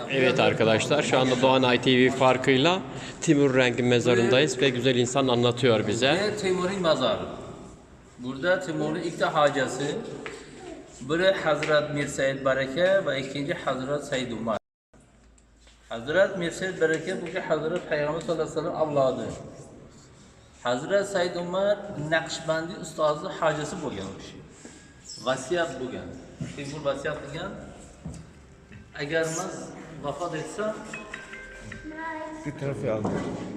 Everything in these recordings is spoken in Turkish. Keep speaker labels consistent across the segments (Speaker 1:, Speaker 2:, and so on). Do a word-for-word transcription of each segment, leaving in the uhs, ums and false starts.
Speaker 1: Evet arkadaşlar, şu anda Doğanay T V farkıyla Timur Renk'in mezarındayız ve güzel insan anlatıyor bize.
Speaker 2: Ve Timur'un mezarı. Burada Timur'un ilk de hacası. Biri Hazret Mir Said Bareke ve ikinci Hazret Said Umar. Hazret Mir Said Bareke bu ki Hazret Peygamber sallallahu aleyhi ve sellem avladı. Hazret Said Umar Naqshbandi ustazı hacası bo'lganmiş. Vasiyat bo'lgan. Timur vasiyat qilgan. Agar men vafot etsam,
Speaker 3: Bir tarafı aldı.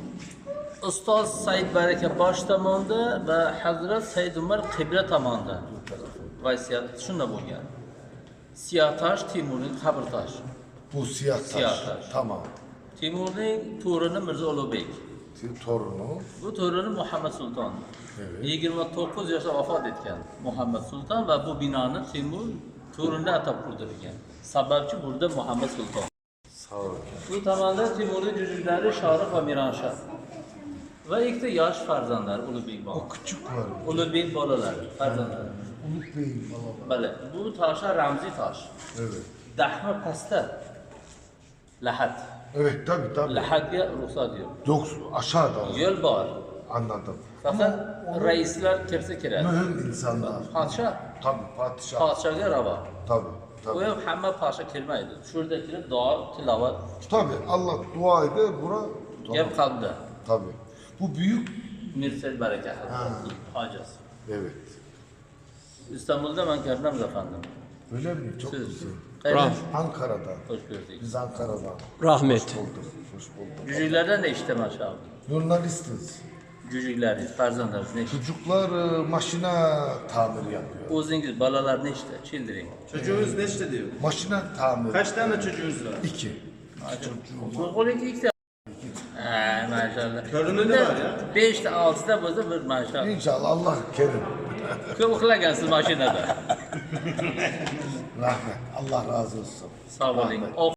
Speaker 2: Ustoz Said Baraka bosh tomonda va Hazrat Said Umar qibla tomonda. Vasiyat shunda bo'lgan. Siyah tosh Timurning qabr toshi.
Speaker 3: Bu siyah taş.
Speaker 2: Siyah taş.
Speaker 3: Tamam.
Speaker 2: Timurning to'rini Mirzo Ulug'bek.
Speaker 3: Torunu.
Speaker 2: Bu to'rini Muhammad Sulton.
Speaker 3: Evet.
Speaker 2: yigirma to'qqiz yoshda vafot etgan Muhammad Sulton va bu binoni Timur to'rinda atab qurdirgan. Sababchi burada Muhammad Sulton.
Speaker 3: Sağ ol.
Speaker 2: Bu tomonda Timurning jujuklari Shohrux va Miranshah. Va ikkita yosh farzandlar Ulug'bek bor.
Speaker 3: O küçük var.
Speaker 2: Ulug'bek bolalari, farzandlari.
Speaker 3: Umut Bey'in baba.
Speaker 2: Bale, bu toshlar ramziy tosh.
Speaker 3: Evet.
Speaker 2: Dahma pastda. Lahat.
Speaker 3: Evet tabi tabi.
Speaker 2: Lahatga ruxsat yo'q.
Speaker 3: Yok aşağıda.
Speaker 2: Yo'l bor.
Speaker 3: Anladım.
Speaker 2: Faqat raislar kirsa kiradi.
Speaker 3: Mühim insanlar.
Speaker 2: Podshoh,
Speaker 3: Tabi padişah.
Speaker 2: podshohga ravo.
Speaker 3: Tabi
Speaker 2: U
Speaker 3: tabi.
Speaker 2: ham hamma podshoh kirmaydi. Shu yerda kirib duo, tilovat,
Speaker 3: Tabi Allah dua eder bura.
Speaker 2: gap qalbda.
Speaker 3: Tabi. Bu büyük.
Speaker 2: Mirsad Baraka hojasi.
Speaker 3: Evet.
Speaker 2: İstanbul'da ben ko'rdim efendim.
Speaker 3: Öyle mi? Çok
Speaker 2: Siz
Speaker 3: güzel.
Speaker 2: qayerdan?
Speaker 3: Ankara'da.
Speaker 2: Hoş gördük.
Speaker 3: Biz Ankara'dan.
Speaker 1: Rahmet.
Speaker 3: Bulduk. Hoş bulduk.
Speaker 2: Cücüklerden de işte maşallah.
Speaker 3: Jurnalistiz.
Speaker 2: Cücükleriniz, farzandlarınız ne işte?
Speaker 3: Çocuklar e, makine tamir yapıyor.
Speaker 2: O'zingiz balalar ne işte? Çildiring.
Speaker 4: Çocuğunuz neçte diyor?
Speaker 3: Makine tamir.
Speaker 4: Kaç tane çocuğunuz var?
Speaker 3: İki.
Speaker 2: Qo'lqo'liki ikkita. Ha, maşallah.
Speaker 4: Köründe de var ya.
Speaker 2: Beşte, altıda bo'lsa bir maşallah.
Speaker 3: İnşallah Allah kerim.
Speaker 2: Ko'p uxlagansiz mashinada.
Speaker 3: Rahmet. Allah razı olsun.
Speaker 2: Sağ oling.